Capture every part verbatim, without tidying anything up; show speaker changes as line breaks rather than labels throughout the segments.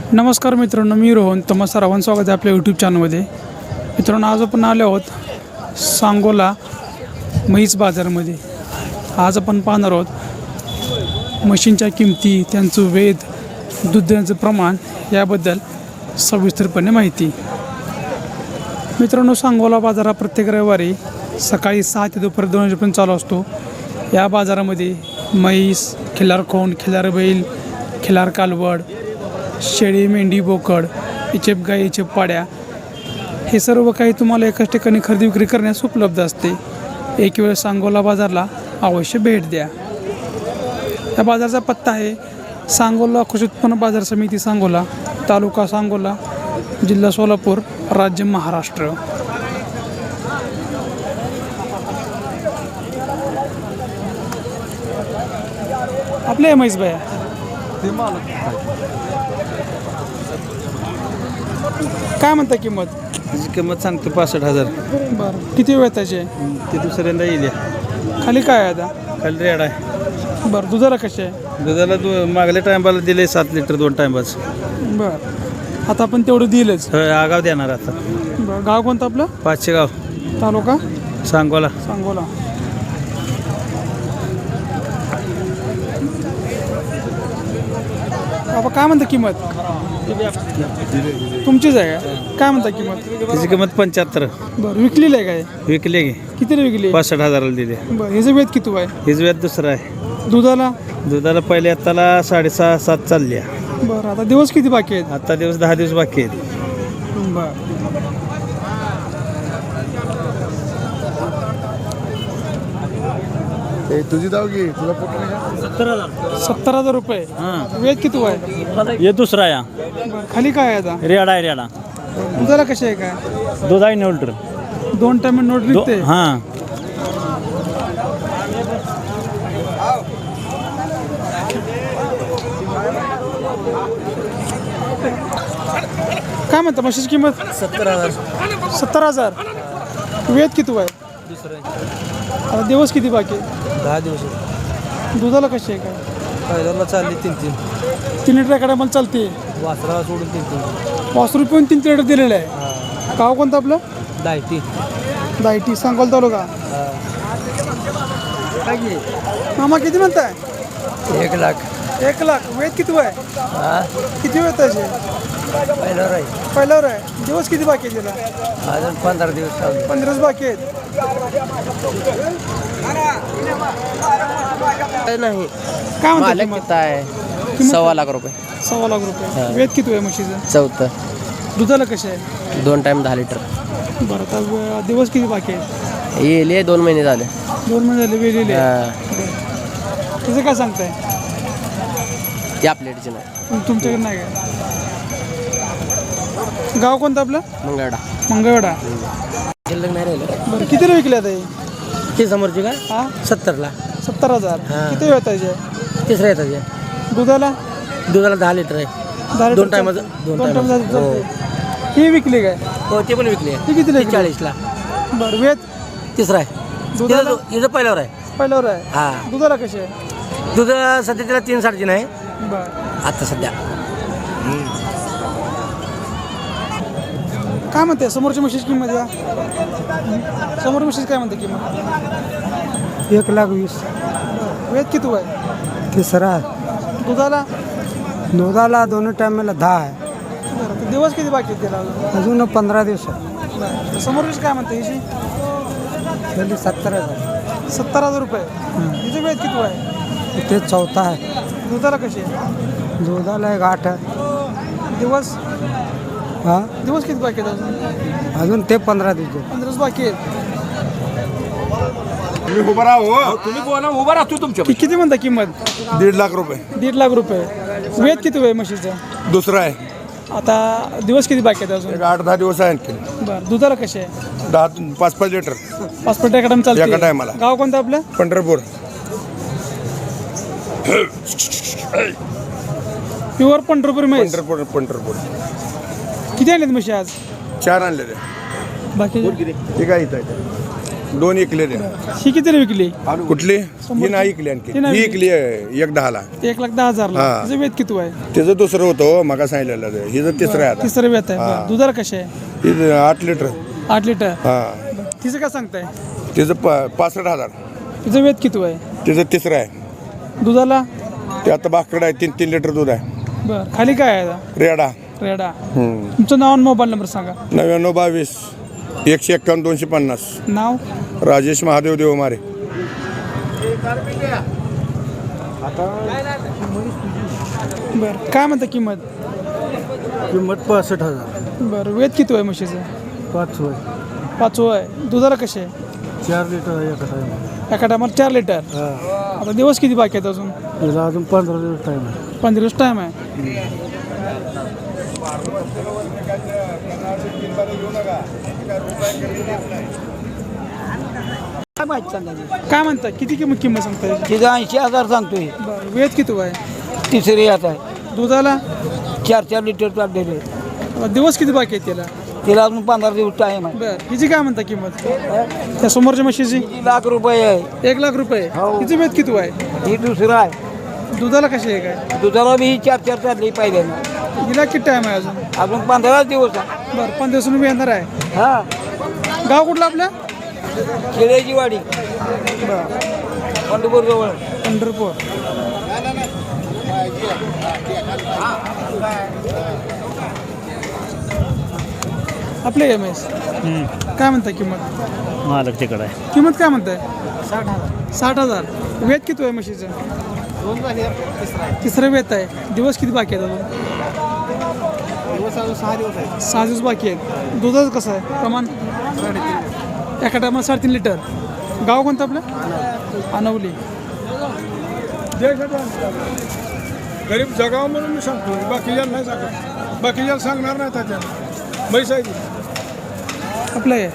नमस्कार मित्रांनो, मी रोहन. तुम्हा सर्वांचं स्वागत आहे आपल्या यूट्यूब चॅनलमध्ये. मित्रांनो, आज आपण आलो आहोत सांगोला म्हैस बाजारामध्ये. आज आपण पाहणार आहोत म्हशींच्या किमती, त्यांचं वेध, दुधाचं प्रमाण याबद्दल सविस्तरपणे माहिती. मित्रांनो, सांगोला बाजार हा प्रत्येक रविवारी सकाळी सहा ते दुपारी दोन वाजेपर्यंत चालू असतो. या बाजारामध्ये म्हैस, खिल्लार खोंड, खिल्लार बैल, खिल्लार कालवड, शेळी, मेंढी, बोकड, इचेप गाई, इचेप पाड्या हे सर्व काही तुम्हाला एकाच ठिकाणी खरेदी विक्री करण्यास उपलब्ध असते. एक वेळ सांगोला बाजारला अवश्य भेट द्या. या बाजाराचा पत्ता आहे सांगोला कृषी उत्पन्न बाजार समिती, सांगोला, तालुका सांगोला, जिल्हा सोलापूर, राज्य महाराष्ट्र. आपले म्हैस बाया काय म्हणता किंमत?
त्याची किंमत सांगतो पासष्ट हजार.
बरं, किती वेळ त्याचे?
ते दुसऱ्यांदा येईल.
खाली काय आहे आता?
खाली रेड आहे.
बरं, दुधाला कसे आहे?
दुधाला दो मागल्या टायमाला दिले सात लिटर दोन टायमाच.
बरं, आता आपण तेवढं दिलंच.
आगाव देणार आता.
बरं, गाव कोणतं आपलं?
पाचशे गाव,
तालुका
सांगोला.
सांगोला. बाबा काय म्हणता किंमत? तुमचीच आहे का? काय म्हणता किंमत?
त्याची किंमत पंच्याहत्तर.
बरं, विकलेली आहे काय?
विकले गे
कितीला विकली?
पासष्ट हजाराला दिले.
बरं, ह्याचं वेद किती आहे?
हिच व्याज दुसरं आहे.
दुधाला?
दुधाला पहिले आत्ताला साडेसहा सात चालली.
बरं, आता दिवस किती बाकी आहेत?
आता दिवस दहा दिवस बाकी आहेत.
बरं,
तुझी दाव घे, तुला
सत्तर हजार.
सत्तर हजार रुपये.
हां,
वेद किती आहे?
हे दुसरा या
बरं, खाली काय आहे आता?
रेडा आहे. रेडा
दुधाला कसे आहे काय?
दूध आहे नऊ लिटर.
दोन टाइम नोट निघते.
हां,
काय म्हणता म्हशीची किंमत?
सत्तर हजार.
सत्तर हजार. वेद किती आहे? आता दिवस किती बाकी आहे?
दहा दिवस.
दुधाला कशी आहे काय?
पहिल्याला चालली तीन तीन.
तीन लिटर एकडे मला चालते.
वासरा सोडून तीन तीन.
पाच रुपये तीन लिटर दिलेलं आहे. गाव कोणतं आपलं?
दायटी.
दायटी, सांगोला तालुका. मामा किती म्हणताय?
एक लाख.
एक लाख. वेद किती आहे?
हा,
किती वेळ त्याचे?
पहिल्यावर आहे.
पहिल्यावर आहे. दिवस किती बाकी आहे त्याला?
अजून पंधरा दिवस चालू.
पंधराच बाकी आहेत.
नाही.
काय म्हणता
मालक
किंमत?
किती आहे? सव्वा लाख रुपये.
सव्वा लाख रुपये. वेद किती आहे म्हशीचं?
चौथं.
दुधाला कसे आहे?
दोन टाइम दहा लिटर.
बरं, आता दिवस किती बाकी आहेत?
येले दोन महिने झाले.
दोन महिने झाले वेलेले.
हा.
त्याचं काय सांगताय?
त्या प्लेटची नाही.
तुम- तुमच्याकडे नाही काय? गाव कोणतं आपलं?
मंगळडा.
मंगळवेढा.
शिल्लक नाही राहिलं.
बरं, किती विकले आता हे?
ती समोरची का?
हा,
सत्तरला.
सत्तर हजार.
हा.
किती वेळ त्याचे?
तिसऱ्या येतात.
दुधाला?
दुधाला दहा लिटर आहे.
दहा
दोन
लिटर
टायमाचं.
चालते.
दोन
दोन
टायमाचं.
टाइम चालते. ही विकली काय?
हो, ते पण विकले.
ती कितीला विकली?
चाळीसला.
बरं, वेद?
तिसरा आहे.
दुधाला?
इथं इथं पहिल्यावर आहे.
पहिल्यावर आहे.
हा.
दुधाला कशी आहे?
दूध सध्या तिला तीन साडेतीन आहे
बरं,
आता सध्या.
काय म्हणते समोरच्या म्हशीची किंमत? या समोर म्हशीची काय म्हणते किंमत?
एक लाख वीस.
वेद किती आहे?
तिसरा.
दुधाला?
दुधाला दोन्ही टायमाला दहा आहे.
बरं, तर दिवस किती बाकी आहेत त्याला अजून?
अजून पंधरा दिवस आहे.
बरं, तर समोरची काय म्हणते हिची?
पहिले सत्तर हजार.
सत्तर हजार रुपये. हिचं वेद किती आहे?
ते चौथा आहे.
दुधाला कशी आहे?
दुधाला एक आठ आहे.
दिवस?
हा,
दिवस किती बाकी आहेत अजून?
अजून ते पंधरा दिवस.
पंधराच बाकी आहेत.
तुम्ही उभा राहा हो.
तुम्ही बोला उभा राहतो तुमच्या
कि- किती म्हणता किंमत?
दीड लाख रुपये.
दीड लाख रुपये. वेद किती आहे म्हशीचं?
दुसरा आहे.
आता दिवस किती बाकी आहेत अजून?
एक आठ दहा दिवस आहे आणखी.
बरं, दुधाला कशी आहे?
दहा पाच पाच लिटर.
पासपोर्ट एकडम चालते.
एका टायमाला.
गाव कोणतं आपलं?
पंढरपूर.
प्युअर पंढरपूर म्हैस.
पंढरपूर पंढरपूर.
किती आणलेत म्हशी आज?
चार आणलेले.
बाकी
ठीक आहे इथं आहे. दोन इकले द्या
ही कितीला विकली
कुठली ही नाही इकली आणखी
ती नाही
ही
विकली.
इकली आहे एक दहाला
एक लाख दहा हजारला
हा.
तिचं वेत किती आहे
त्याचं दुसरं होतं मगा सांगितलेलं ते. हिचं तिसरं आहे आता
तिसरं वेत आहे
हा.
बरं. दुधाला कशी आहे
हिचं आठ लिटर
आठ लिटर
हा
तिचं काय सांगताय
तिचं पा पासष्ट हजार
तिचं वेत किती आहे
तिचं तिसरं आहे
दुधाला
ते आता बाकड आहे तीन तीन लिटर दूध आहे
बरं खाली काय आहे आता?
रेडा
रेडा
हम्म.
तुमचं नाव आणि मोबाईल नंबर सांगा
नव्याण्णव बावीस एकशे एक्कावन्न दोनशे पन्नास
नाव
राजेश महादेव देवमारे
बरं काय म्हणता किंमत
किंमत पासष्ट हजार
बरं वेत किती आहे म्हशीचं
पाच होय
पाचवं आहे दुधाला कसे आहे
चार लिटर एका टाइम
एका टायमाला चार लिटर
हा
आता दिवस किती बाकी आहेत अजून
त्याला अजून पंधरा दिवस टाइम आहे
पंधरा दिवस टाईम आहे
काय माहिती सांगायची
काय म्हणता किती किंमत किंमत सांगता याची?
तिचं ऐंशी हजार सांगतोय
बरं वेत किती आहे
तिसरी यात आहे
दुधाला
चार चार लिटर चाललेले
आता दिवस किती बाकी आहेत त्याला
तिला अजून पंधरा दिवस टाइम आहे
बरं हिची काय म्हणता किंमत त्या समोरच्या म्हशीची
ती लाख रुपये आहे
एक लाख रुपये
हो.
हिची वेत किती आहे
ही दुसरं आहे
दुधाला कशी आहे काय
दुधाला बी ही चार चार चालली पहिल्यांदा
हिला किती टाईम आहे अजून
अजून पंधरा दिवस आहे
बरं पंधरा दिवसांनी मी येणार आहे
हा
गाव कुठलं आपल्या
खेड्याची वाडी पंढरपूर जवळ
पंढरपूर आपले एम एस काय म्हणताय किंमत
महालक्ष्मीकडे आहे
किंमत काय म्हणताय साठ हजार साठ हजार वेत किती आहे म्हशीचं तिसरं वेत आहे दिवस किती बाकी आहेत अजून
सहा दिवस आहे
सहा दिवस बाकी आहेत दुधाचं कसं आहे प्रमाण एका टायमाला साडेतीन लिटर गाव कोणतं आपलं अनवली
गरीब जगावं म्हणून मी सांगतो बाकीच्या नाही सांगत बाकीच्या सांगणार नाही त्याच्या मैसायची
आपलं आहे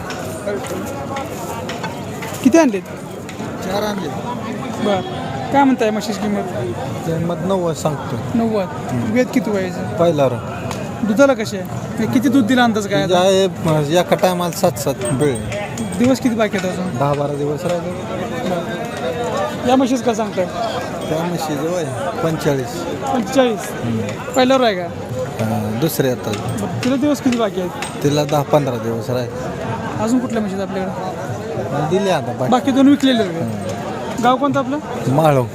किती आणलेत
चार आणले
बरं काय म्हणताय म्हशीची किंमत
किंमत नव्वद सांगतो
नव्वद वेत किती व्हायचं
पहिला
दुधाला कसे आहे किती दूध दिला अंदाज काय आता?
आहे एका टायमाला सात सात बेळ
दिवस किती बाकी आहेत अजून
दहा बारा दिवस राहिले
या म्हशीच का सांगताय
त्या म्हशी जवळ पंचेचाळीस
पंचेचाळीस पहिल्यावर आहे का
दुसरे आता
बरं, तिला दिवस किती बाकी आहेत
तिला दहा पंधरा दिवस राहिले
अजून कुठल्या म्हशीत आपल्याकडे
दिले आता
बाकी दोन विकलेले आहेत का? गाव कोणतं आपलं
माळव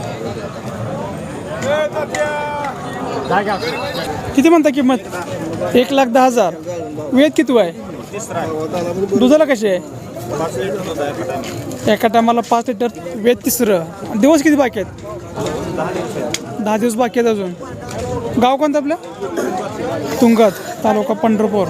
किती म्हणता किंमत एक लाख दहा हजार वेत किती आहे दुधाला कशी आहे एका टायमाला पाच लिटर वेत तिसरं दिवस किती बाकी आहेत दहा दिवस बाकी आहेत अजून गाव कोणतं आपलं तुंगत तालुका पंढरपूर